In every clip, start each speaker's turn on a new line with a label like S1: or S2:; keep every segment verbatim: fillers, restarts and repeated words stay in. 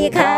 S1: ดีค่ะ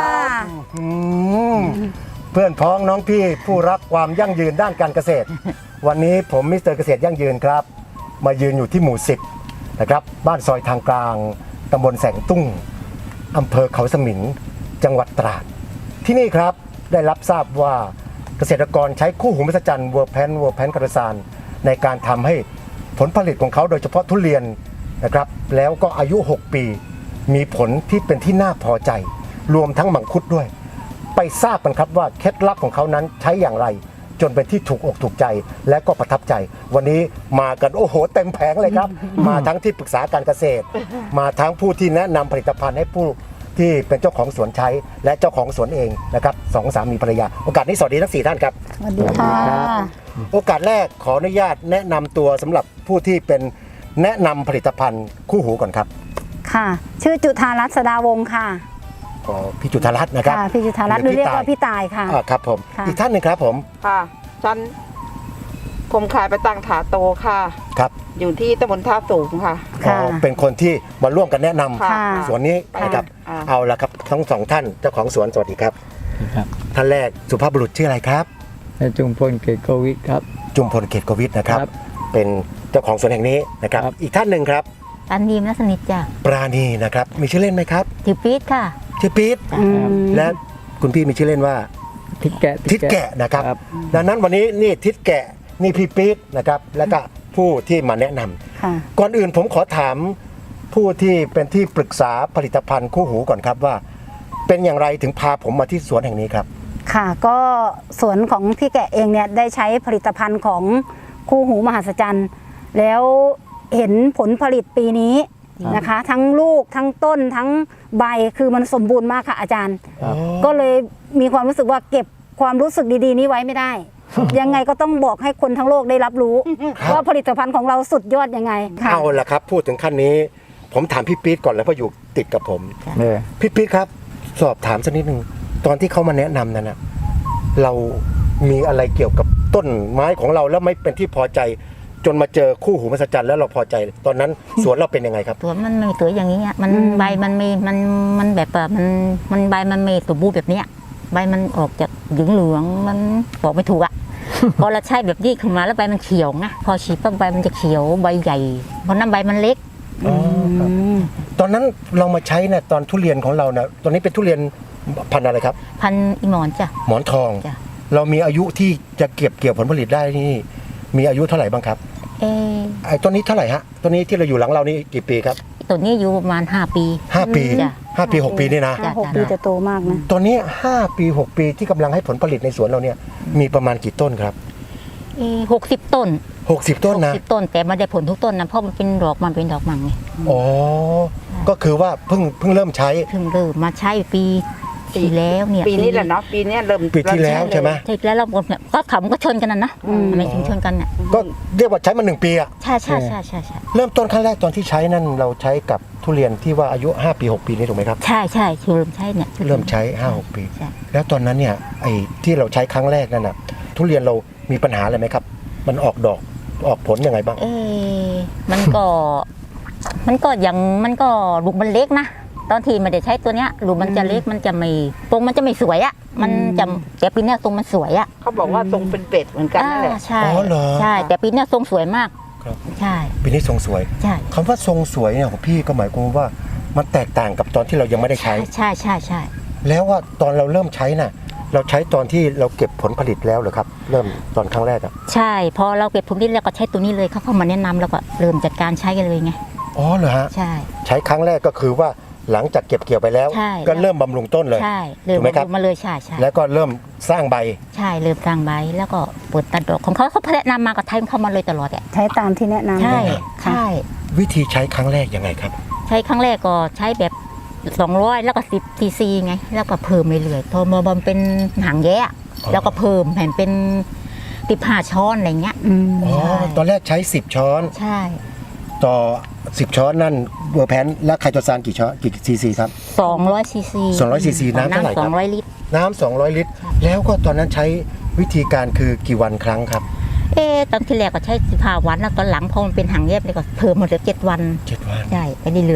S2: เพื่อนพ้องน้องพี่ผู้รักความยั่งยืนด้านการเกษตร วันนี้ผมมิสเตอร์เกษตรยั่งยืนครับมายืนอยู่ที่หมู่สิบนะครับบ้านซอยทางกลางตำบลแสงตุ้งอำเภอเขาสมิงจังหวัดตราดที่นี่ครับได้รับทราบว่าเกษตรกรใช้คู่หูมหัศจรรย์เวอร์แพนเวอร์แพนคาร์ซานในการทำให้ผลผลิตของเขาโดยเฉพาะทุเรียนนะครับแล้วก็อายุ หก ปีมีผลที่เป็นที่น่าพอใจรวมทั้งมังคุดด้วยไปทราบกันครับว่าเคล็ดลับของเขานั้นใช้อย่างไรจนเป็นที่ถูกอกถูกใจและก็ประทับใจวันนี้มากันโอ้โหเต็มแผงเลยครับ มาทั้งที่ปรึกษาการเกษตร มาทั้งผู้ที่แนะนำผลิตภัณฑ์ให้ผู้ที่เป็นเจ้าของสวนใช้และเจ้าของสวนเองนะครับสองสามีภรรยาโอกาสนี้สวัสดีทั้งสี่ท่านครับ
S1: สวัสดีค่ะ
S2: โอกาสแรกขออนุญาตแนะนำตัวสำหรับผู้ที่เป็นแนะนำผลิตภัณฑ์คู่หูก่อนครับ
S1: ค่ะ ชื่อจุธารัตน์สดาวงศ์ค่ะ
S2: ขอพี่จุธารัตน์นะครับ
S1: ค่ะพี่จุธารัตน์หรือเรียกว่าพี่ตายค่ะ
S2: อ่าครับผม
S1: ค่ะ
S2: อีกท่านหนึ่งครับผม
S3: ค่ะฉันผมขายไปตังถาโตค่ะ
S2: ครับ
S3: อยู่ที่ตำบลท่าสูงค่ะ
S2: อ๋อเป็นคนที่มาร่วมกันแนะนำ
S3: ค่ะ
S2: สวนนี้นะครับ
S3: อ่า
S2: เอาละครับทั้งสองท่านเจ้าของสวนสวัสดีครับ
S4: ครับ
S2: ท่านแรกสุภาพบุรุษชื่ออะไรครับ
S4: นายจุมพลเกตโกวิทครับ
S2: จุมพลเกตโกวิทนะครับ
S4: ครับ
S2: เป็นเจ้าของสวนแห่งนี้นะครับ
S4: ครับ
S2: อีกท่านหนึ่งครับ
S5: ตันดีมนัสนิทจ้ะ
S2: ปราณีนะครับมีชื่อเล่นไหมครับ
S5: ถือปี๊ดค่ะ
S2: ชื่อปี๊ด
S1: อืม
S2: และคุณพี่มีชื่อเล่นว่า
S4: ทิศแกะ
S2: ทิศแกะนะครับ
S4: ครับ
S2: ดังนั้นวันนี้นี่ทิศแกะนี่พี่ปี๊ดนะครับแล้วก็ผู้ที่มาแนะนำ
S1: ค่ะ
S2: ก่อนอื่นผมขอถามผู้ที่เป็นที่ปรึกษาผลิตภัณฑ์คู่หูก่อนครับว่า เป็นอย่างไรถึงพาผมมาที่สวนแห่งนี้ครับ
S1: ค่ะ ก็สวนของพี่แกะเองเนี่ยได้ใช้ผลิตภัณฑ์ของคู่หูมหัศจรรย์แล้วเห็นผลผลิตปีนี้นะคะ ทั้งลูกทั้งต้นทั้งใบคือมันสมบูรณ์มากค่ะอาจารย์
S4: ครับ
S1: ก็เลยมีความรู้สึกว่าเก็บความรู้สึกดีๆนี้ไว้ไม่ได้ ยังไงก็ต้องบอกให้คนทั้งโลกได้รับรู้
S2: ครับ
S1: ว่าผลิตภัณฑ์ของเราสุดยอดยังไงค่ะ
S2: เอาละครับพูดถึงขั้นนี้ ผมถามพี่ปี๊ดก่อนแล้วเพราะอยู่ติดกับผม
S4: เออ
S2: พี่ปี๊ดครับ สอบถามสักนิดหนึ่งตอนที่เขามาแนะนำนั้นนะเรามีอะไรเกี่ยวกับต้นไม้ของเราแล้วไม่เป็นที่พอใจ จนมาเจอคู่หูมหัศจรรย์แล้วเราพอใจ ตอนนั้นสวนเราเป็นยังไงครับ
S5: ตัวมันไม่ตัวอย่างนี้อะมัน
S1: อืม
S5: ใบมันไม่มันมันแบบว่ามันมันใบมันไม่สมบูรณ์แบบเนี้ยใบมันออกจากเหลืองเหลืองๆมันบอกไม่ถูกอ่ะ พอเราใช้แบบนี้ขึ้นมาแล้วใบมันเขียวไงพอฉีดปั๊บใบมันจะเขียวใบใหญ่เพราะน้ำใบมันเล็ก
S2: อ๋อครับ ตอนนั้นเรามาใช้เนี่ยตอนทุเรียนของเราเนี่ยตอนนี้เป็นทุเรียนพันธุ์อะไรครับ
S5: พันอีหมอนจ้ะ
S2: หมอนทอง
S5: จ้ะ
S2: เรามีอายุที่จะเก็บเกี่ยวผลผลิตได้นี่มีอายุเท่าไหร่บ้างครับ
S5: เออ
S2: ไอ้ต้นนี้เท่าไหร่ฮะต้นนี้ที่เราอยู่หลังเรานี่กี่ปีครับ
S5: ตัวนี้อยู่ประมาณห้าปี
S2: ห้าปี
S5: จ้ะ
S2: ห้าปีหกปีนี่นะ
S5: จ้ะ
S1: หกปีจะโตมากนะ
S2: ตอนนี้ห้าปีหกปีที่กำลังให้ผลผลิตในสวนเราเนี่ยมีประมาณกี่ต้นครับ
S5: เอหกสิบต้น
S2: หกสิบต้นนะ
S5: สิบต้นแต่ไมันได้ผลทุกต้นนะเพราะมันเป็นดอกมันเป็นดอกมังไง
S2: อ๋อก็คือว่าเพิ่งเพิ่งเริ่มใช้
S5: เพิ่งเริ่มมาใช้ปีที่แล้วเนี่ย
S3: ปีนี้แหละเนาะปีนี้เริ่ม
S2: ปีที่แล้วใช่ไหม
S5: ใช่แล้วเราหมดเนี่ยก็ขำก็ชนกันนะนะ
S1: อืม
S5: ทำไมถึงชนกันเนี่ย
S2: ก็เรียกว่าใช้มาหนึ่งปีอะ
S5: ใช่ใช่ใช่ใช่ใช่
S2: เริ่มต้นครั้งแรกตอนที่ใช้นั่นเราใช้กับทุเรียนที่ว่าอายุห้าปีหกปีนี่ถูกไหมครับ
S5: ใช่ใช่คือเริ่มใช้เนี่ย
S2: เริ่มใช้ห้าหกปี
S5: ใช่
S2: แล้วตอนนั้นเนี่ยไอ้ที่เราใช้ครั้งแรกนั่นน่ะทุเรียนเรามีปัญหาอะไรไหมครับ มันออกดอกออกผลยังไงบ้าง
S5: เอ๊ะมันก็ มันก็ยังมันก็ลูกมันเล็กนะตอนที่ไม่ได้ใช้ตัวเนี้ยลูกมันจะเล็กมันจะไม่ตรงมันจะไม่สวยอะมันจะแต่ปีเนี้ยตรงมันสวยอะ
S3: เขาบอกว่าทรงเป็นเป็ดเหมือนกันนั่นแหละ
S5: อ่าใช่
S2: อ๋อเหรอ
S5: ใช่ แต่ปีเนี้ยทรงสวยมาก
S2: ครับ
S5: ใช่
S2: ปีนี้ทรงสวย
S5: ใช่
S2: คำว่าทรงสวยเนี่ยของพี่ก็หมายความว่ามันแตกต่างกับตอนที่เรายังไม่ได้ใช้
S5: ใช่ใช่ใช่
S2: แล้วว่าตอนเราเริ่มใช้น่ะเราใช้ตอนที่เราเก็บผลผลิตแล้วเหรอครับ เริ่มตอนครั้งแรกอะ
S5: ใช่พอเราเก็บผลผลิตแล้วก็ใช้ตัวนี้เลยเขาเข้ามาแนะนำแล้วก็เริ่มจัดการใช้กันเลยไง
S2: อ๋อเหรอฮะ
S5: ใช่
S2: ใช้ครั้งแรกก็คือว่าหลังจากเก็บเกี่ยวไปแล้ว
S5: ใช่
S2: ก็เริ่มบำรุงต้นเลย
S5: ใช่เริ่ม
S2: ถูกไหมครับ
S5: มาเลยใช่ใช่
S2: แล้วก็เริ่มสร้างใบ
S5: ใช่เริ่มสร้างใบแล้วก็เปิดตัดดอกของเขาเขาแนะนำมากับไทยเข้ามาเลยตลอดอ่ะ
S1: ใช้ตามที่แนะนำ
S5: ใช่
S1: ค่ะ
S5: ใช่
S2: วิธีใช้ครั้งแรกยังไงครับ
S5: ใช้ครั้งแรกก็ใช้แบบสองร้อยแล้วก็สิบซีซีไงแล้วก็เพิ่มเรื่อยๆพอมาบำเป็นหางแย่แล้วก็เพิ่มแผ่นเป็นติบห้าช้อนอะไรเงี้ย
S1: อืม
S2: อ๋อ
S5: ใช่
S2: ตอนแรกใช้สิบช้อน
S5: ใช่
S2: ต่อสิบช้อนนั่นเวอร์แพนและไคโตซานกี่ช้อนกี่ซีซีครับ
S5: สองร้อยซีซี
S2: สองร้อยซีซีน้ำเท่าไหร่ครับ
S5: สองร้อยลิตร
S2: น้ำสองร้อยลิตร แล้วก็ตอนนั้นใช้วิธีการคือกี่วันครั้งครับ
S5: เอ๊ะตอนที่แรกก็ใช้สิบห้าวันแล้วตอนหลังพอมันเป็นหางแยบเลยก็เพิ่มมาเหลือเจ็ดวัน
S2: เจ็ดวัน
S5: ใช่ไปเรื่อย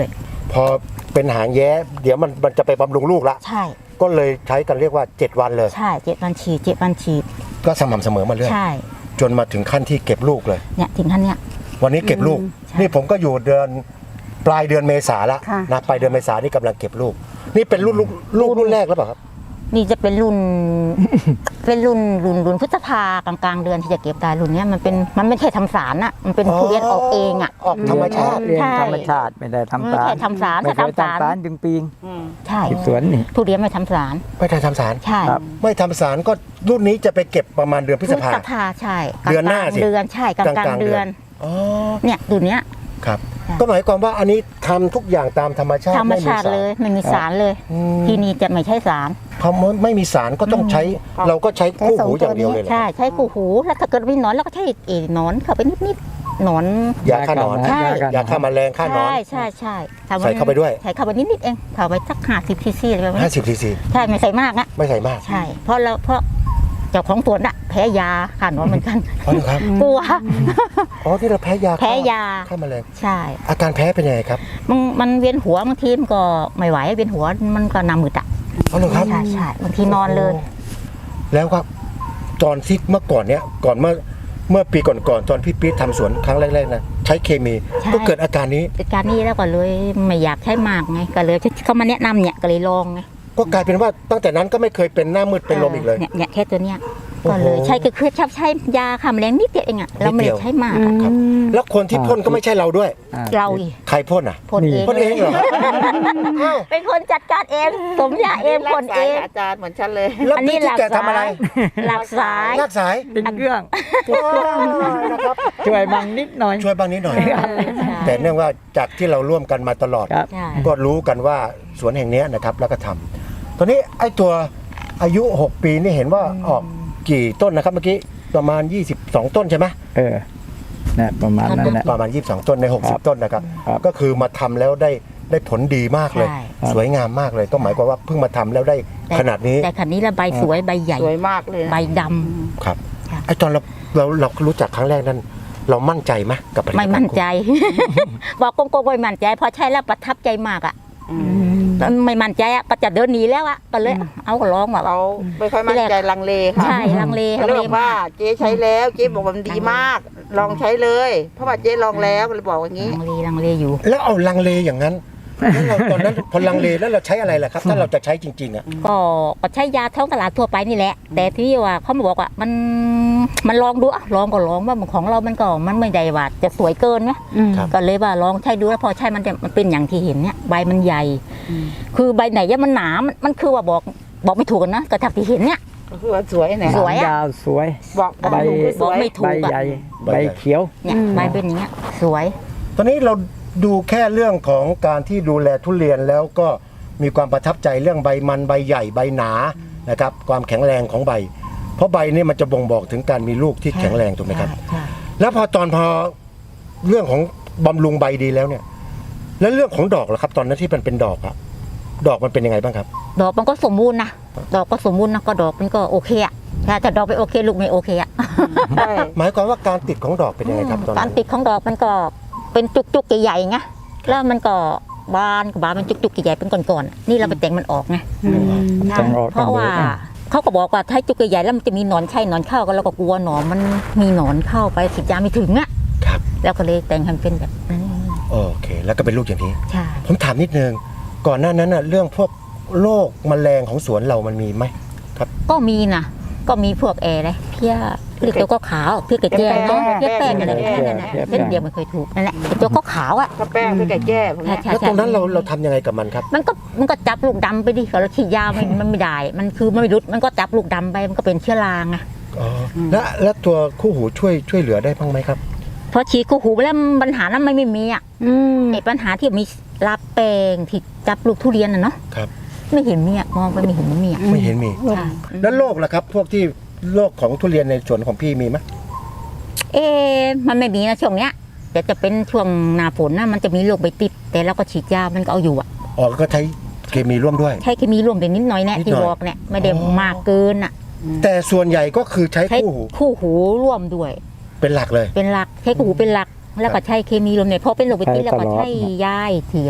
S2: พอเป็นหางแย้เดี๋ยวมันมันจะไปบำรุงลูกละ
S5: ใช่
S2: ก็เลยใช้กันเรียกว่าเจ็ดวันเลย
S5: ใช่เจ็ดวันฉีดเจ็ดวันฉีด
S2: ก็สม่ำเสมอมาเรื่อย
S5: ใช่
S2: จนมาถึงขั้นที่เก็บลูกเลย
S5: เนี่ยถึงขั้นเนี้ย
S2: วันนี้เก็บลูก
S5: ใช่
S2: นี่ผมก็อยู่เดือนปลายเดือนเมษาละ
S1: ค่ะ
S2: นะปลายเดือนเมษานี่กำลังเก็บลูก นี่เป็นรุ่นลูกลูกรุ่นแรกแล้วเปล่าครับ
S5: นี่จะเป็นรุ่น เป็นรุ่นรุ่นรุ่นพฤษภากลางกลางๆเดือนที่จะเก็บได้รุ่นเนี้ยมันเป็นมันไม่ใช่ทำสารอะมันเป็นทุเรียนออกเองอะ
S2: ออกธรรมชาติ
S4: เรียน
S5: ใช่
S4: ธรรมชาติไม่ได้ทำ
S5: ไม่
S4: สาร
S5: ใช่ทำสาร
S4: ไม่เคย
S5: ถ้าทำสาร
S4: ทำสารจึงปีง
S5: ใช่
S4: ที่สวนนี่
S5: ทุเรียนไม่ทำสาร
S2: ไม่ได้ทำสาร
S5: ใช่
S4: ครับ
S2: ไม่ทำสารก็รุ่นนี้จะไปเก็บประมาณเดือนพฤษภา
S5: ใช่
S2: เดือนหน้าสิ
S5: เดือนใช่กลางกลางๆเดือน
S2: อ๋อ
S5: เนี่ยรุ่นเนี้ย
S2: ครับ
S5: ค่ะ
S2: ก็หมายความว่าอันนี้ทำทุกอย่างตามธรรมชาติ
S5: ธรรมชาติ
S2: ไส
S5: เลยไม่มีสารเลย
S2: อืม
S5: ที่นี่จะไม่ใช่สาร
S2: พอไม่มีสารก็ต้องใช้ เราก็ใช้คู่หูอย่างเดียวเลยเหรอ
S5: ใช่ใช้กูหูแล้วถ้าเกิดมีหนอนเราก็ใช้เอหนอนเข้าไปนิดๆหนอน
S2: ยาฆ่าหนอน
S5: ใช่
S2: ยาฆ่าแมลงฆ่าหนอน
S5: ใช่ใช่ใช่ทำ
S2: ใส่เข้าไปด้วย
S5: ใส่เข้าไปนิดๆเองเข้าไปสักห้าสิบซีซีอะไรประมาณนี้
S2: ห้าสิบซีซี
S5: ใช่ไม่ใส่มากนะ
S2: ไม่ใส่มาก
S5: ใช่ เพราะเราเพราะเจ้าของสวนอะแพ้ยาฆ่าหนอนเหมือนกัน
S2: อ๋อเหรอครับ
S5: กลัว
S2: อ๋อที่เราแพ้ยาฆ่
S5: แพ้ยา
S2: ฆ่าแมลง
S5: ใช่
S2: อาการแพ้เป็นยังไงครับ
S5: มันมันเวียนหัวบางทีมันก็ไม่ไหวเวียนหัวมันก็หนามืดอะ
S2: อ๋อเหรอครับ
S5: ใช่ใช่บางทีนอนเลย
S2: แล้วครับตอนที่เมื่อก่อนเนี้ยก่อนเมื่อเมื่อปีก่อนๆตอนพี่ปี๊ดทำสวนครั้งแรกๆนะใช้เคมี
S5: ใช่
S2: ก็เกิดอาการนี้
S5: เหตุการณ์นี้แล้วก็เลยไม่อยากใช้มากไงก็เลยเขามาแนะนำเนี่ยก็เลยลองไง
S2: ก็กลายเป็นว่าตั้งแต่นั้นก็ไม่เคยเป็นหน้ามืดเป็นลมอีกเลย
S5: เนี่ยเนี่ยแค่ตัวเนี้ย
S2: โอ้โห
S5: ก็เลยใช้ก็คือชอบใช้ยาฆ่าแมลงนิดเดียวเองอะเราไม่
S2: นิดเดี
S5: ได้
S2: ยว
S5: ใช้มาก
S1: อื
S5: อะ
S1: ม
S2: ครับแล้วคนที่พ่นก็ไม่ใช่เราด้วย
S4: อ่
S5: เราอีก
S2: ใครพ่นอ่ะ
S5: พ่นเอง
S2: พ่นเองเหรออ้าว
S5: เป็นคนจัดการเองสมยาเองพ่นเอง
S3: อาจารย์เหมือนฉันเลย
S2: แล้ว
S5: อันนี้
S2: พี่ที่แกทำอะไร
S5: หลักสาย
S2: ลากสาย
S4: ติดเครื่อง
S2: นะครับ
S4: ช่วยบังนิดหน่อย
S2: ช่วยบ้างนิดหน่อย
S5: ใช่
S2: แต่เนื่องว่าจากที่เราร่วมกันมาตลอด
S4: ครับ
S5: ใช่
S2: ก็รู้กันว่าสวนแห่งเนี้ยนะครับแล้วก็ทำตอนนี้ไอ้ตัวอายุ หก ปีนี่เห็นว่าออกกี่ต้นนะครับเมื่อกี้ประมาณ ยี่สิบสอง ต้นใช่ไหม
S4: เออนะประมาณนั้นแหละ
S2: ประมาณ ยี่สิบสอง ต้นใน
S4: ครับ
S2: หกสิบ ต้นนะครับ
S4: ครับ
S2: ก็คือมาทำแล้วได้ได้ผลดีมากเลย
S5: ใช่
S2: สวยงามมากเลยก็หมายความว่าเพิ่งมาทำแล้วได้ขนาดนี้
S5: แต่ขันนี้ละใบสวยใบใหญ่
S3: สวยมากเลยนะ
S5: ใบดำ
S2: ครับ
S5: ค่ะ
S2: ไอ้ตอนเราเราเรารู้จักครั้งแรกนั้น เรามั่นใจไหมกับผลิตภั
S5: ไม่
S2: ณฑ์
S5: มั่นใจ บอกโกงๆไม่มั่นใจพอใช้แล้วประทับใจมากอ่ะไม่มั่นใจอ่ะก็จะเดินหนีแล้วอ่ะก็เลยเอาก็ลองแบบ
S3: เราไม่ค่อยมั่นใจลังเลค่ะ
S5: ใช่ลังเล
S3: เขา
S5: ลัง
S3: เลย
S5: เล
S3: บอกว่า
S5: มาก
S3: เจ๊ใช้แล้วเจ๊บอกว่ามันดีมาก ลองใช้เลย เพราะว่าเจ๊ลองแล้วก็เลยบอกอย่างนี้
S5: ลังเลลังเลอยู่
S2: แล้วเอาลังเลอย่างนั้นแล้วเราตอนนั้นพอลังเลแล้วเราใช้อะไรล่ะครับ ถ้าเราจะใช้จริงๆอ่ะ
S5: ก็ก็ใช้ยาท้องตลาดทั่วไปนี่แหละ แต่ที่ว่าเขามาบอกว่ามันมันลองดูอะลองก็ลองว่าของเรามันก็มันไม่ได้ว่าจะสวยเกินไหม
S1: อืม
S2: ครับ
S5: ก็เลยว่าลองใช้ดูแล้วพอใช้มันจะมันเป็นอย่างที่เห็นเนี่ยใบมันใหญ่ คือใบไหนเนี่ยมันหนามันมันคือว่าบอกบอกไม่ถูกกันนะกระทับที่เห็นเนี่ย
S3: ก็คือว่าสวยไหน
S5: สวยอะ
S4: ยาวสวย
S3: บอกบอก
S4: ใบ
S3: ถูกคือส
S5: บอก
S3: วย
S5: ไม่ถู
S4: ใบ
S5: กอะ
S4: ใหญ่
S2: ใบ
S4: ใบ
S2: ใหญ่
S4: เขียว
S5: เนี่ย
S1: อืม
S5: ใบเป็นอย่างเงี้ยสวย
S2: ตอนนี้เราดูแค่เรื่องของการที่ดูแลทุเรียนแล้วก็มีความประทับใจเรื่องใบมันใบใหญ่ใบหนานะครับความแข็งแรงของใบ เพราะใบนี่มันจะบ่งบอกถึงการมีลูกที่แข็งแรงถูกไหมครับ
S5: ใช่ใช่
S2: แล้วพอตอนพอเรื่องของบำรุงใบดีแล้วเนี่ย แล้วเรื่องของดอกล่ะครับ ตอนนั้นที่มันเป็นดอกอะดอกมันเป็นยังไงบ้างครับ
S5: ดอกมันก็สมบูรณ์นะดอกก็สมบูรณ์นะก็ดอกมันก็โอเคอะถ้าแต่ดอกไม่โอเคลูกไม่โอเคอะ
S3: ใช่
S2: หมายความว่าการติดของดอกเป็นยังไงครับตอน
S5: การ
S2: นั้น
S5: ติดของดอกมันก็เป็นจุกๆใหญ่ๆไงแล้วมันก็บานกับบานมันจุกๆใหญ่ๆเป็นก้อนๆนี่เราไปแต่งมันออกไง
S1: อืม
S4: แต่งออก
S5: เพราะว่า
S4: ต้องดูอ่ะ
S5: เขาก็บอกว่าถ้าจุกใหญ่ๆแล้วมันจะมีหนอนไข่หนอนเข้าก็เราก็กลัวหนอนมันมีหนอนเข้าไปฉีดยาไม่ถึงอ่ะ
S2: ครับ
S5: แล้วก็เลยแต่งให้มันเป็นแบบนั้น
S2: โอเค แล้วก็เป็นลูกอย่างนี้
S5: ใช่
S2: ผมถามนิดนึงก่อนหน้านั้นน่ะเรื่องพวกโรคแมลงของสวนเรามันมีไหม
S5: ก็มีนะก็มีพวกแอร์เลยเพี้ยเรียกตัวก็ขาวเพี้ยกระเจี๊ยบเนาะเพี้ยแป้งอะไรนั่นน่ะเส้นเดียวไม่เคยถูกนั่นแหละไอ้ตัวก็ขาวอ่ะ
S3: ถ้าแป้งไปแก่แก้พวก
S5: ใช่
S3: เนี้ย
S5: ใช่
S2: แล้วตรงนั้นเราเราทำยังไงกับมันครับ
S5: มันก็มันก็จับลูกดำไปดิเราฉีดยามันมันไม่ได้ มันคือมันไม่รุดมันก็จับลูกดำไปมันก็เป็นเชื้อราไง
S2: อ๋อแล้วแล้วตัวคู่หูช่วยช่วยเหลือได้บ้างไหมครับ
S5: พอฉีดกูหูไปแล้วปัญหานั้นไม่ไม่มีอ่ะ
S1: อืม
S5: ไอ้ปัญหาที่มีลาแปลงที่จับลูกทุเรียนน่ะเนาะ
S2: ครับ
S5: ไม่เห็นมีอ่ะมองไปไม่เห็นมันมีอ่ะ
S2: ไม่เห็นมี
S5: ใช่
S2: แล้วโรคล่ะครับ พวกที่โรคของทุเรียนในสวนของพี่มีไหม
S5: เอ๊ะมันไม่มีนะช่วงเนี้ยแต่จะเป็นช่วงหน้าฝนนะมันจะมีโรคใบติด แต่เราก็ฉีดยามันก็เอาอยู่อ่ะ
S2: อ๋อก็ใช้เคมีร่วมด้วย
S5: ใช้เคมีร่วมแต่นิดหน่อยแน่
S2: นิดหน่อย
S5: ที่บอกเนี่ยไม่ได้
S2: อ๋อ
S5: มากเกินอ่ะ
S2: แต่ส่วนใหญ่ก็คือใช้
S5: ใช้
S2: คู่หู
S5: คู่หูร่วมด้วย
S2: เป็นหลักเลย
S5: เป็นหลักใช้คู่หูเป็นหลัก แล้วก็ใช้เคมีร่วมเนี่ยพอเป็นโรคใบติดแล้วก็ใช้ยาอีกทีเลย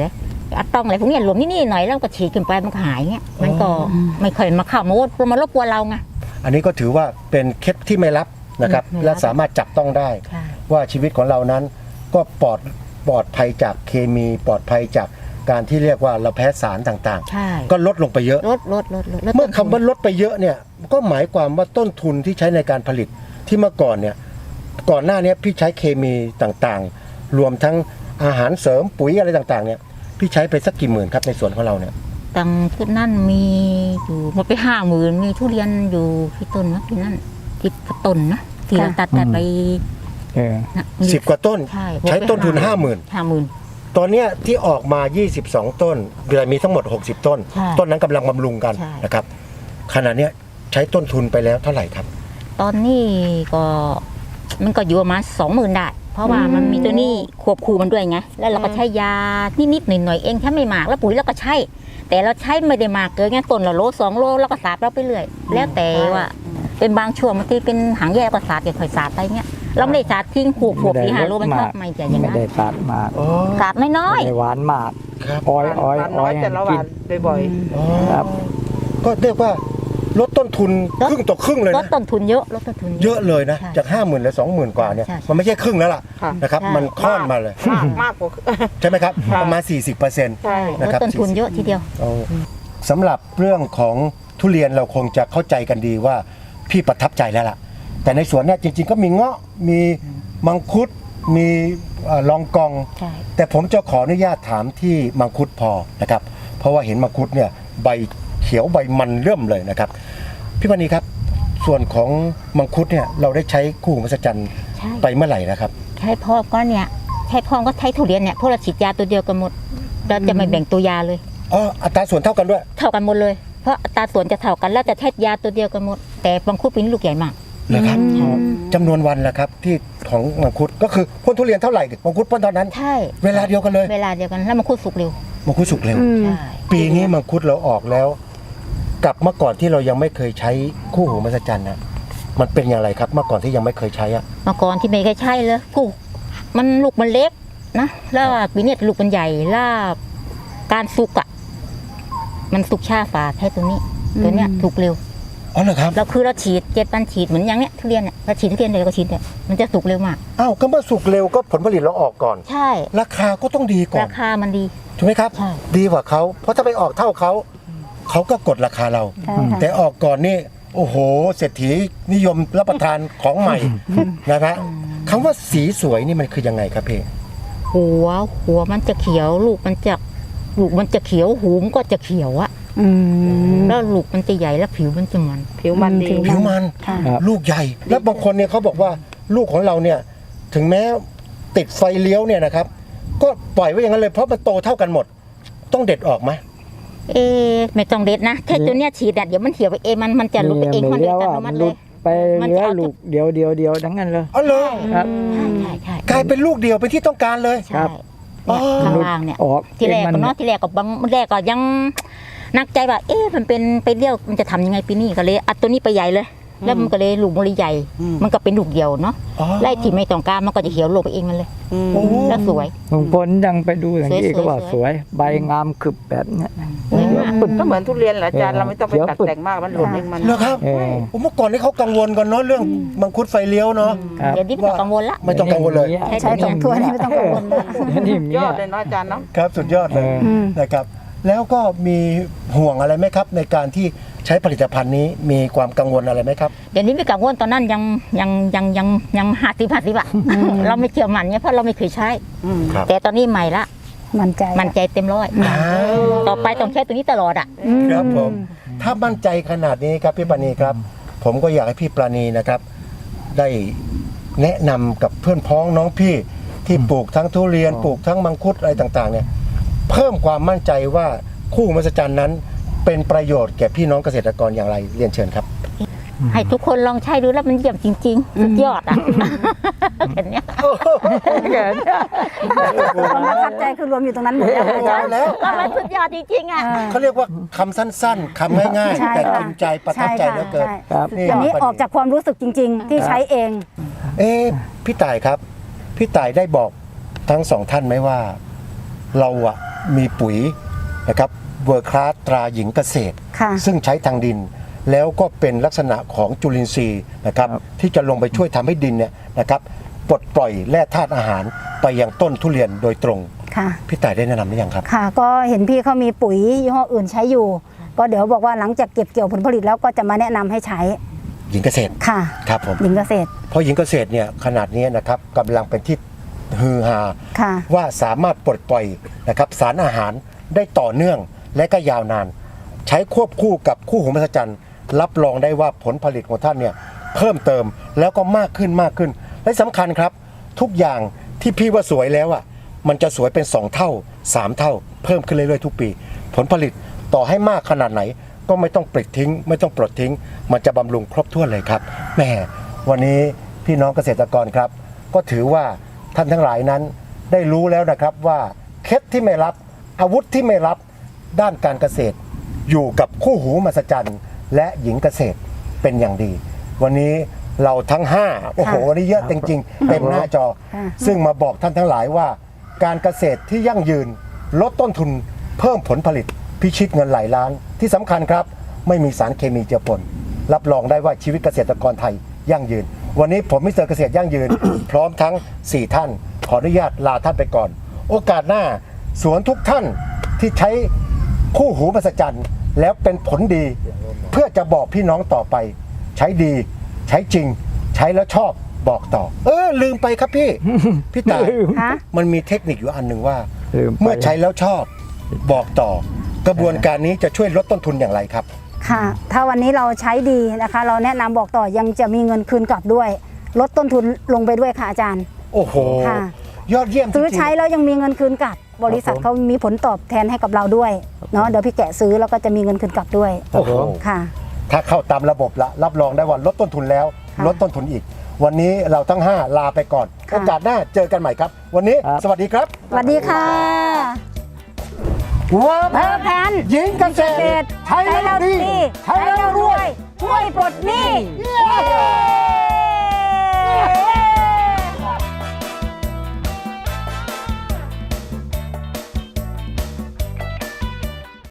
S5: อะตองอะไรพวกเนี้ยหลวมนี่ๆหน่อยแล้วก็ฉีดขึ้นไปมันก็หายเงี้ยมันก็ไม่ค่อยมาเข้ามาว่ามันมารบกวนเราไง
S2: อันนี้ก็ถือว่าเป็นเคล็ดที่ไม่ลับนะครับ
S5: ไม่ลับ
S2: และสามารถจับต้องได้
S5: ใช่
S2: ว่าชีวิตของเรานั้นก็ปลอดปลอดภัยจากเคมีปลอดภัยจากการที่เรียกว่าเราแพ้สารต่าง
S5: ใช่
S2: ๆ ก็ลดลงไปเยอะ
S5: ลดลดลดลดลด
S2: เมื่อคำว่าลดไปเยอะเนี่ยก็หมายความว่าต้นทุนที่ใช้ในการผลิตที่เมื่อก่อนเนี่ยก่อนหน้านี้พี่ใช้เคมีต่างๆ รวมทั้งอาหารเสริมปุ๋ยอะไรต่างๆเนี่ยพี่ใช้ไปสักกี่หมื่นครับในสวนของเราเนี่ย
S5: ตังที่นั่นมีอยู่หมดไปห้าหมื่นมีทุเรียนอยู่ที่ต้นนะที่นั่นที่ต้นนะที่เราตัดแต่ไป
S4: เออ
S5: นะมี
S2: สิบกว่าต้น
S5: ใช่
S2: ใช้ต้นทุนห้าหมื่น
S5: ห้าหมื่น
S2: ตอนเนี้ยที่ออกมา ยี่สิบสอง ต้นเดือนมีทั้งหมด หกสิบ ต้น
S5: ใช่
S2: ต้นนั้นกำลังบำรุงกัน
S5: ใช่
S2: นะครับขณะเนี้ยใช้ต้นทุนไปแล้วเท่าไหร่ครับ
S5: ตอนนี้ก็มันก็อยู่ประมาณสองหมื่นได้ เพราะว่ามันมีตัวนี้ควบคู่มันด้วยไงแล้วเราก็ใช้ยานิดๆหน่อยๆเองแค่ไม่มากแล้วปุ๋ยเราก็ใช้แต่เราใช้ไม่ได้มากเกินไงต้นละโลสองโลแล้วก็สาดเราไปเรื่อยแล้วแต่ว่าเป็นบางช่วงบางทีเป็นหางแย่ก็สาดอย่าค่อยสาดไปเงี้ยเราไม่ได้สาดทิ้งหัวหัวปีหาโลมันชอบไม่ใช่อย่าง
S4: ไม่
S5: นั้น
S4: ได้ตัดมาก
S2: อ๋อ
S5: สาดน้อย
S4: ไม่ได้หวานมาก
S2: ครับ
S4: อ้อยอ้อย
S3: หวาน
S4: อ้
S3: น้
S4: อ
S3: อย ยแต่ละ
S4: กิ
S3: วันบ่อย
S2: อ๋อ
S4: ครับ
S2: ก็เรียกว่าลดต้นทุนครึ่งต่อครึ่งเลย
S5: ๆลด
S2: นะ
S5: ต้นทุนเยอะลดต้นทุน
S2: เยอะเลยนะ
S5: ใช่
S2: จาก ห้าหมื่นเหลือ สองหมื่น กว่าเนี่ย
S5: ใช่ใช่
S2: มันไม่ใช่ครึ่งแล้วล่ะ
S3: ๆค่ะ
S2: นะครับ
S5: ใช่
S2: มันค่อนมาเลย
S3: มากมากกว่า
S2: ใช่ไหมครับ
S3: ค่ะ
S2: ประมาณ สี่สิบเปอร์เซ็นต์
S3: ใช่
S5: ล
S2: นะ
S5: ด
S2: ครับ
S5: ต้นทุนเยอะทีเดียว
S2: สำหรับเรื่องของทุเรียนเราคงจะเข้าใจกันดีว่าพี่ประทับใจแล้วล่ะ แต่ในสวนเนี่ยจริง ๆ ก็มีเงาะมีมังคุดมีเอ่อลองกอง
S5: ใช่
S2: แต่ผมจะขออนุญาตถามที่มังคุดพอนะครับ เพราะว่าเห็นมังคุดเนี่ยใบเขียวใบมันเริ่มเลยนะครับ พี่ปณีครับ ส่วนของมังคุดเนี่ยเราได้ใช้คู่หูมหัศจรรย์
S5: ใช่
S2: ไปเมื่อไหร่นะครับ
S5: ใช่พ่อก็เนี่ยใช่พ่อก็ใช้ทุเรียนเนี่ยพวกเราฉีดยาตัวเดียวกันหมดเราจะไม่แบ่งตัวยาเลย
S2: อ๋ออัตราส่วนเท่ากันด้วย
S5: เท่ากันหมดเลย เพราะอัตราส่วนจะเท่ากันแล้วจะใช้ยาตัวเดียวกันหมด แต่บางคุดเป็นลูกใหญ่มาก
S2: นะครับ
S5: อืม
S2: จำนวนวันละครับที่ของมังคุดก็คือพ่นทุเรียนเท่าไหร่มังคุดพ่นเท่านั้น
S5: ใช่
S2: เวลาเดียวกันเลย
S5: เวลาเดียวกันแล้วบางคุดสุกเร็ว
S2: มังคุดสุกเร็ว
S1: อืม
S5: ใช่
S2: ปีนี้มังคุดเราออกแล้ว กับเมื่อก่อนที่เรายังไม่เคยใช้คู่หูมหัศจรรย์นะมันเป็นอย่างไรครับเมื่อก่อนที่ยังไม่เคยใช้อะ
S5: เมื่อก่อนที่ไม่เคยใช่เลยกูมันลูกมันเล็กนะแล้วปีนี้ลูกมันใหญ่แล้วการสุกอ่ะมันสุกช้าฝาแค่ตัวนี้ ตัวเนี้ยสุกเร็ว
S2: อ๋อเหรอครับ
S5: เราคือเราฉีดเจ็ดวันฉีดเหมือนอย่างเนี้ยทุเรียนเนี่ยเราฉีดทุเรียนเดียวก็ฉีดเนี่ยมันจะสุกเร็วมาก
S2: อ้าวก็เมื่อสุกเร็วก็ผลผลิตเราออกก่อน
S5: ใช่
S2: ราคาก็ต้องดีก่อ
S5: ราน คามันดี
S2: ถูกไหมครับ
S5: ใช่
S2: ดีกว่าเขาเพราะถ้าไปออกเท่าเขาเขาก็กดราคาเรา
S1: ใช่ค่ะ
S2: แต่ออกก่อนนี่โอ้โหเศรษฐีนิยมรับประทานของใหม่นะครับคำว่าสีสวยนี่มันคือยังไงครับพี่
S5: หัวหัวมันจะเขียว ลูกมันจะลูกมันจะเขียวหูมนก็จะเขียวอะ
S1: อืม
S5: แล้วลูกมันจะใหญ่แล้วผิวมันจะมัน
S3: ผิวมันดี
S1: ผิว
S2: ผิวมัน
S1: ค่ะ
S4: ครับ
S2: ลูกใหญ่ แล้วบางคนเนี่ยเขาบอกว่าลูกของเราเนี่ยถึงแม้ติดไฟเลี้ยวเนี่ยนะครับ ก็ปล่อยไว้อย่างนั้นเลยเพราะมันโตเท่ากันหมด ต้องเด็ดออกไหม
S5: เอ๊ะไม่ต้องเด็ดนะแค่ตัวเนี้ยฉีดอะเดี๋ยวมันเหี่ยวไปเองมันมันจะลุกไปเอง
S4: ไม่
S5: มัน
S4: เลี้
S5: เดิ
S4: ย
S5: น
S4: ว
S5: อั
S4: อ่ะ
S5: ตโนมั
S4: มัน
S5: ติ
S4: ห
S5: เล
S4: ลุ
S5: ย
S4: ดไป
S5: มัน
S4: เหลื
S5: จะ
S4: อ
S5: เอา
S4: ลูกเดียวเดียวเดียวทั้งนั้นเลย
S2: อ๋อเหรอ
S4: ครับ
S5: ใช่ใช่ใช่
S2: กลายเป็นลูกเดียวเป็นที่ต้องการเลย
S5: ใช่เนี่ยข้างล่างเนี่ย
S4: ออก
S5: ที่แรก
S4: มั
S5: ก็เนาะที่แรกก็บางแรกก็ยังนักใจว่า เอ๊ะมันเป็นไปเลี้ยวมันจะทำยังไงปีนี้ก็เลยอัดตัวนี้ไปใหญ่เลย แล้วมันก็เลยลูกมันเลยใหญ่
S3: อืม
S5: มันก็เป็นลูกเดียวเนาะ
S2: อ๋อ
S5: ไล่ที่ไม่ต้องการมันก็จะเขียวลงไปเองมันเลย
S3: อืม
S2: โอ้
S5: แล้วสวย
S4: ลุงพลยังไปดูอย่างนี้
S5: สวยๆ
S4: ก็ว่าสวย ใบงามขึบแบบเนี้ย
S5: สวยมาก
S4: ปึ้ง
S3: ก็เหมือนทุเรียนแหละอาจารย์
S4: เออ
S3: เราไม่ต้องไป
S4: เดี๋ยว
S3: ตัด
S4: ปึก
S3: แต่งมากมันหล่นเองมัน
S2: เหรอครับ
S4: เออ
S2: โอ้เมื่อก่อนนี่เขากังวลกันเนาะเรื่องมังคุดไฟเลี้ยวเนาะ
S4: ครับ
S5: เดี๋ยวนี้ไม่ต้องกังวลละ
S2: ไม่ต้องกังวลเลย
S5: ใช่
S1: ใช้สองถ้วยนี่ไม่ต้องกังวลนะ
S4: เดี๋ยวนี้มี
S3: ยอ
S4: อ่ะ
S3: ดเลยเนาะอาจารย์เนาะ
S2: ครับสุดยอดเลย
S4: เออ
S1: อืม
S2: นะครับ แล้วก็มีห่วงอะไรไหมครับ ในการที่ใช้ผลิตภัณฑ์นี้มีความกังวลอะไรไหมครับ
S5: เดี๋ยวนี้ไม่กังวลตอนนั้นยังยังยังยังยังห้าสิบห้าสิบอะเราไม่เชื่อมันเนี่ยเพราะเราไม่เคยใช้
S3: อืม
S2: ครับ
S5: แต่ตอนนี้ใหม่ละ
S1: มั่นใจ
S5: มันใจเต็มร้อย
S2: อ้าว
S5: ต่อไปต้องใช้ตัวนี้ตลอดอ่ะ
S1: อืม
S2: ครับผมถ้ามั่นใจขนาดนี้ครับพี่ปราณีครับ ผมก็อยากให้พี่ปราณีนะครับ ได้แนะนำกับเพื่อนพ้องน้องพี่ที่ปลูกทั้งทุเรียนปลูกทั้งมังคุดอะไรต่างๆเนี่ยเพิ่มความมั่นใจว่าคู่มหัศจรรย์นั้นเป็นประโยชน์แก่พี่น้องเกษตรกรอย่างไรเรียนเชิญครับ
S5: ให้ทุกคนลองใช้ดูแล้วมันเยี่ยมจริงๆสุดยอดอ่ะเห็นเนี้ย
S1: ความประทับใจคือรวมอยู่ตรงนั้นหมดแล้วอาจารย์
S2: แล้ว
S5: ก็มันสุดยอดจริงๆอ่ะ
S2: เขาเรียกว่าคำสั้นๆคำง่าย
S1: ใช่
S2: ๆ แต่
S1: ค่ะ
S2: กินใจประทับใจเหลือเกิน
S1: ใช่
S4: ครับ
S2: นี่
S1: อันนี้ออกจากความรู้สึกจริง ๆ ที่ใช้เอง
S2: เอ๊ะพี่ต่ายครับ พี่ต่ายได้บอกทั้งสองท่านไหมว่า เราอะมีปุ๋ยนะครับเวอร์คลาสตราหญิงเกษตร
S1: ค่ะ
S2: ซึ่งใช้ทางดิน แล้วก็เป็นลักษณะของจุลินทรีย์นะครับที่จะลงไปช่วยทำให้ดินเนี่ยนะครับปลดปล่อยแร่ธาตุอาหารไปยังต้นทุเรียนโดยตรง
S1: ค่ะ
S2: พี่ต่ายได้แนะนำหรือยังครับ
S1: ค่ะ ก็เห็นพี่เขามีปุ๋ยยี่ห้ออื่นใช้อยู่ ก็เดี๋ยวบอกว่าหลังจากเก็บเกี่ยวผลผลิตแล้วก็จะมาแนะนำให้ใช้
S2: หญิงเกษตร
S1: ค่ะ
S2: ครับผม
S1: หญิงเกษตร
S2: เพราะหญิงเกษตรเนี่ยขนาดนี้นะครับกำลังเป็นที่ฮือฮา
S1: ค่ะ
S2: ว่าสามารถปลดปล่อยนะครับสารอาหารได้ต่อเนื่องและก็ยาวนาน ใช้ควบคู่กับคู่หูมหัศจรรย์รับรองได้ว่าผลผลิตของท่านเนี่ยเพิ่มเติมแล้วก็มากขึ้นมากขึ้น และสำคัญครับ ทุกอย่างที่พี่ว่าสวยแล้วอ่ะมันจะสวยเป็นสองเท่าสามเท่า เพิ่มขึ้นเรื่อยๆทุกปี ผลผลิตต่อให้มากขนาดไหน ก็ไม่ต้องปลิดทิ้ง ไม่ต้องปลดทิ้ง มันจะบำรุงครบถ้วนเลยครับแหม่วันนี้พี่น้องเกษตรกรครับ ก็ถือว่าท่านทั้งหลายนั้นได้รู้แล้วนะครับว่าเคล็ดที่ไม่รับอาวุธที่ไม่รับด้านการเกษตร อยู่กับคู่หูมหัศจรรย์และหญิงเกษตรเป็นอย่างดี วันนี้เราทั้งห้าโอ้โหวันนี้เยอะจริงๆเต็มหน้าจอ
S1: ค่ะ
S2: ซึ่งมาบอกท่านทั้งหลายว่า การเกษตรที่ยั่งยืนลดต้นทุนเพิ่มผลผลิตพิชิตเงินหลายล้าน ที่สำคัญครับ ไม่มีสารเคมีเจือปนรับรองได้ว่าชีวิตเกษตรกรไทยยั่งยืน วันนี้ผมมิสเตอร์เกษตรยั่งยืน พร้อมทั้งสี่ท่าน ขออนุญาตลาท่านไปก่อน โอกาสหน้าสวนทุกท่านที่ใช้คู่หูมหัศจรรย์แล้วเป็นผลดี เพื่อจะบอกพี่น้องต่อไป ใช้ดีใช้จริง ใช้แล้วชอบบอกต่อ เออลืมไปครับพี่ พี่ตาย
S1: คะ
S2: มันมีเทคนิคอยู่อันหนึ่งว่า
S4: ลืมไป
S2: เมื่อใช้แล้วชอบบอกต่อ กระบวนการนี้จะช่วยลดต้นทุนอย่างไรครับ
S1: ค่ะ ถ้าวันนี้เราใช้ดีนะคะ เราแนะนำบอกต่อยังจะมีเงินคืนกลับด้วย ลดต้นทุนลงไปด้วยค่ะอาจารย์
S2: โอ้โห
S1: ค่ะ
S2: ยอดเยี่ยมจริงๆ
S1: ซื้อใช้แล้วยังมีเงินคืนกลับ บริษัทเขามีผลตอบแทนให้กับเราด้วยเนาะเดี๋ยวพี่แกะซื้อแล้วก็จะมีเงินคืนกลับด้วย
S2: โอ้โห
S1: ค่ะ
S2: ถ้าเข้าตามระบบละรับรองได้ว่าลดต้นทุนแล้ว
S1: ค่ะ
S2: ลดต้นทุนอีก วันนี้เราทั้งห้าลาไปก่อน
S1: ค่ะ
S2: โอกาสหน้าเจอกันใหม่ครับ วันนี้
S4: ครับ
S2: สวัสดีครับ
S1: สวัสดีค่ะ
S2: เวิร์
S1: เพอร์แพน
S2: หญิงเกษ
S1: เก
S2: ต
S1: ษ
S2: ร
S1: ตรใช้แล้วดี ใช้แล้วรวย ช่วยปลดหนี้